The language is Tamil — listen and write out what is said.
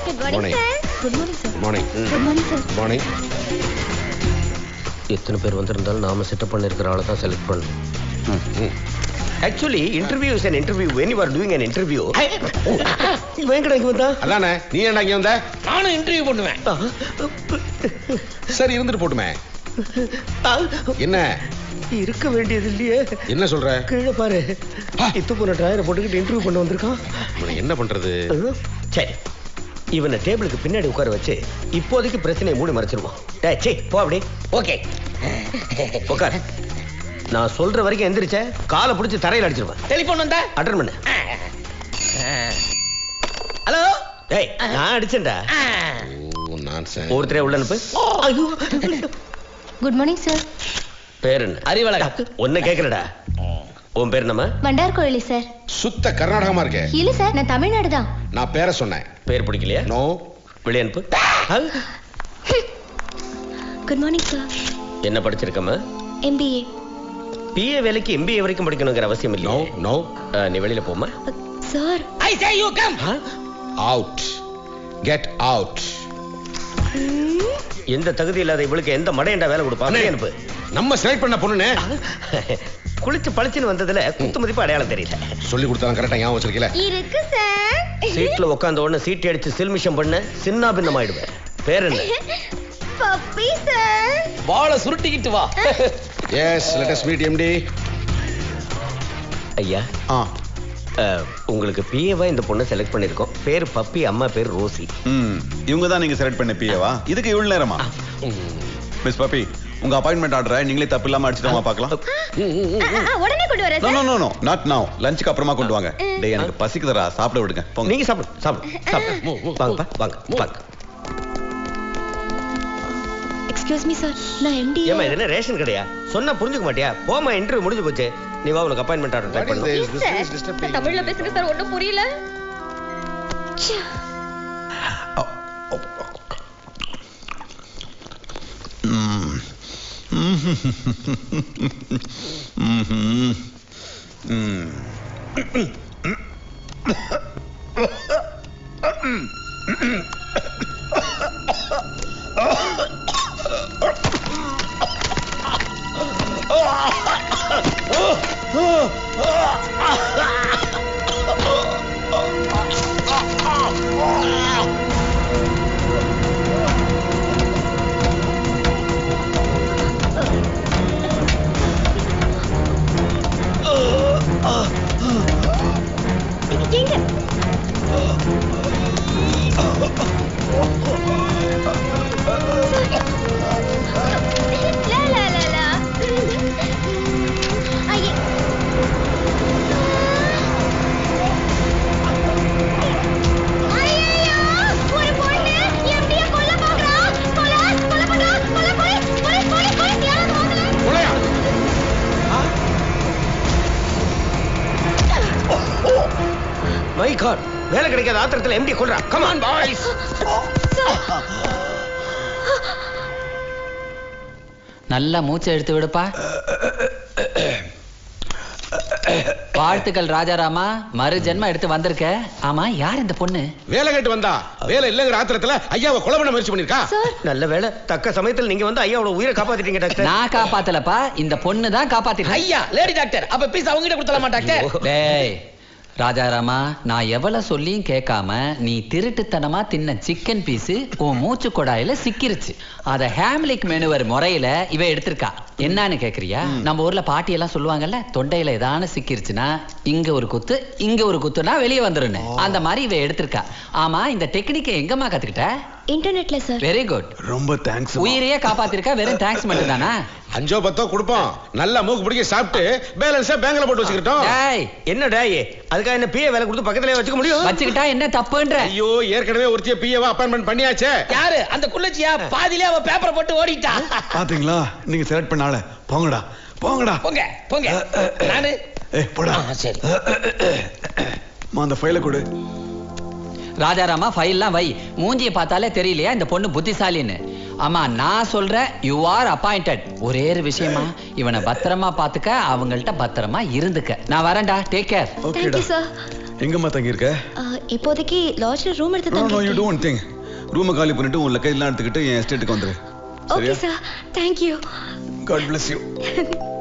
Morning good morning sir. Morning good morning sir. Morning. எத்தனை பேர் வந்திருந்தாலும் நாம செட்டப் பண்ணிருக்கிற ஆளை தான் செலக்ட் பண்ணணும். Actually, interview is an interview. When you are doing an interview, வேங்கடா இங்க வந்தா? அதானே நீ ஏன்டா இங்க வந்த? நானும் இன்டர்வியூ பண்ணுவேன். சரி இருந்துட்டு போட்டுமே. என்ன இருக்க வேண்டியது இல்லையே. என்ன சொல்ற? கீழே பாரு. இத்து போன டயரை போட்டுக்கிட்டு இன்டர்வியூ பண்ண வந்திருக்கான். இவனை என்ன பண்றது? சரி, இவனை டேபிளுக்கு பின்னாடி உட்கார வச்சு இப்போதைக்கு பிரச்சனையை மூடி மறைச்சிருவோம். டேய் சே போ அப்படி. ஓகே உட்கார். நான் சொல்ற வரைக்கும் எந்திரிச்ச காலை பிடிச்சி தரையில் அடிச்சிருவேன். டெலிபோன் வந்தா அட்டன் பண்ணு. ஹலோ. டேய் நான் அடிச்சேன்டா. Oh nonsense. ஒருத்தரே உள்ள அனுப்பு. ஐயோ. Good morning sir. பேர் என்ன? அறிவழகன். ஒன்னு கேக்குறடா. உன் பேர் என்னம்மா? வண்டார் கோயிலி சார். சுத்த கர்நாடகமா இருக்கே. இல்ல சார், நான் தமிழ்நாடு தான். நான் பேரை சொன்னேன். பேர் பிடிக்கலையா? நோ. வெளியே அனுப்பு. Good morning sir. என்ன படிச்சிருக்கம்மா? MBA. பிஏ வேலைக்கு MBA வரைக்கும் படிக்கணுங்கிற அவசியம் நோ இல்லையா? நோ. நீ வெளியில போமா. Sir. I say you come. Out. Get out. எந்த தகுதி இல்லாத இவளுக்கு எந்த மடையண்டா வேலை கொடுப்பா? வெளியே அனுப்பு. நம்ம செலக்ட் பண்ண பொண்ணுனே. குளிச்சு பளிச்சுன்னு வந்ததுல குத்து மதிப்பு அடையாளம் தெரியல. சொல்லி கொடுத்தாலும் கரெக்டா ஞாபகம் வச்சிருக்கீல. இருக்கு சார். சீட்ல உட்கார்ந்த உடனே சீட் அடிச்சு சில்மிஷம் பண்ண சின்ன பின்னம் ஆயிடுவேன். பேர் என்ன? Puppy sir. வாளை சுருட்டிக்கிட்டு வா. Yes let us meet MD. ஐயா உங்களுக்கு பிஏவா இந்த பொண்ணை செலக்ட் பண்ணிருக்கோம். பேர் பப்பி, அம்மா பேர் ரோசி. இவங்க தான் நீங்க செலக்ட் பண்ண பிஏவா? இதுக்கு இவ்வளவு நேரமா? மிஸ் பப்பி, உங்க அப்பாயின்மெண்ட் ஆர்டரை நீங்களே தப்பு இல்லாம அடிச்சிட்டோமா பார்க்கலாம். உடனே கொண்டு வரேன் no sir. No no not now. லஞ்சுக்கு அப்புறமா கொண்டு வாங்க. டேய் எனக்கு பசிக்குதுடா, சாப்பிட விடுங்க. போங்க. நீங்க சாப்பிடு. வாங்க வாங்க. எக்ஸ்கியூஸ் மீ சார், நான் MD. ஏமா இது என்ன ரேஷன் கடையா? சொன்னா புரிஞ்சுக்க மாட்டியா? போமா, இன்டர்வியூ முடிஞ்சு போச்சு. நீ வா, உனக்கு அப்பாயின்மெண்ட் ஆர்டர் டைப் பண்ணு. தமிழ்ல பேசுங்க சார், ஒண்ணும் புரியல. மை காட், வேலை கிடைக்காத ஆத்திரத்துல MD கொல்றா. Come on boys. நல்லா மூச்சை எடுத்து விடுப்பா. வாழ்த்துக்கள் ராஜாராமா, மறு ஜென்மம் எடுத்து வந்திருக்க. ஆமா, யார் இந்த பொண்ணு? வேலை கேட்டு வந்தா. வேலை இல்லங்கிற ஆத்திரத்துல ஐயாவை கொலை பண்ண முயற்சி பண்ணிருக்கா. நல்ல வேலை, தக்க சமயத்தில் நீங்க வந்து ஐயாவோட உயிரை காப்பாத்திட்டீங்க டாக்டர். நான் காப்பாத்தலப்பா, இந்த பொண்ணு தான் காப்பாத்திட்டு. ஐயா லேடி டாக்டர், அப்ப பீஸ் அவங்க கிட்ட கொடுத்தலாமா டாக்டர்? டேய் ராஜாராமா, நான் எவ்வளவு சொல்லியும் கேட்காம நீ திருட்டுத்தனமா தின்ன சிக்கன் பீஸ் உன் மூச்சு கொடாயில சிக்கிருச்சு. அத ஹேம்லிக் மெனுவர் முறையில இவ எடுத்திருக்கா. என்னன்னு கேக்குறியா? நம்ம ஊர்ல பாட்டி எல்லாம் சொல்லுவாங்கல்ல, தொண்டையில ஏதான சிக்கிருச்சுன்னா இங்க ஒரு குத்து இங்க ஒரு குத்துனா வெளியே வந்துருன்னு. அந்த மாதிரி இவ எடுத்திருக்கா. ஆமா, இந்த டெக்னிக்கை எங்கம்மா கத்துக்கிட்ட? இன்டர்நெட்ல சார். Very good. ரொம்ப தேங்க்ஸ். உயிரையே காப்பாத்திருக்கா. வெறும் தேங்க்ஸ் மட்டும் தானா? 5 10 கொடுப்போம். நல்லா மூக்கு பிடிக்க சாப்பிட்டு பேலன்ஸா பேங்க்ல போட்டு வச்சுக்கிட்டோம். டேய் என்ன டேய், அதுக்காக என்ன பிஏ வேலை கொடுத்து பக்கத்துலயே வச்சுக்க முடியும்? வச்சுக்கிட்டா என்ன தப்புன்ற? ஐயோ, ஏற்கனவே ஒருத்திய பிஏவா அப்பாயின்மெண்ட் பண்ணியாச்சே. யாரு அந்த குள்ளச்சியா? பாதியிலே அவ பேப்பரை போட்டு ஓடிட்டா. பாத்தீங்களா, நீங்க செலக்ட் பண்ணால. போங்கடா போங்கடா. போங்க. நானு போடா. சரி. அந்த ஃபைலை கொடு. ராஜாராமா, ஃபைல்லாம் வை. மூஞ்சியை பார்த்தாலே தெரியலையா இந்த பொண்ணு புத்திசாலின்னு? ஆமா, நான் சொல்றேன், யூ ஆர் அப்பாயிண்டட். ஒரே ஒரு விஷயமா, இவனை பத்திரமா பாத்துக்க, அவங்கள்ட்ட பத்திரமா இருந்துக்க. நான் வரேன்டா. Take care. Thank you sir. எங்கம்மா தங்கி இருக்க? இப்போதைக்கு லாட்ஜ்ல ரூம் எடுத்து நோ யூ தங்கிட்டேன். Don't think. ரூமை காலி பண்ணிட்டு உன் லக்கேஜ் எல்லாம் எடுத்துக்கிட்டு என் எஸ்டேட்டுக்கு வந்துரு. Okay sir. Thank you. God bless you.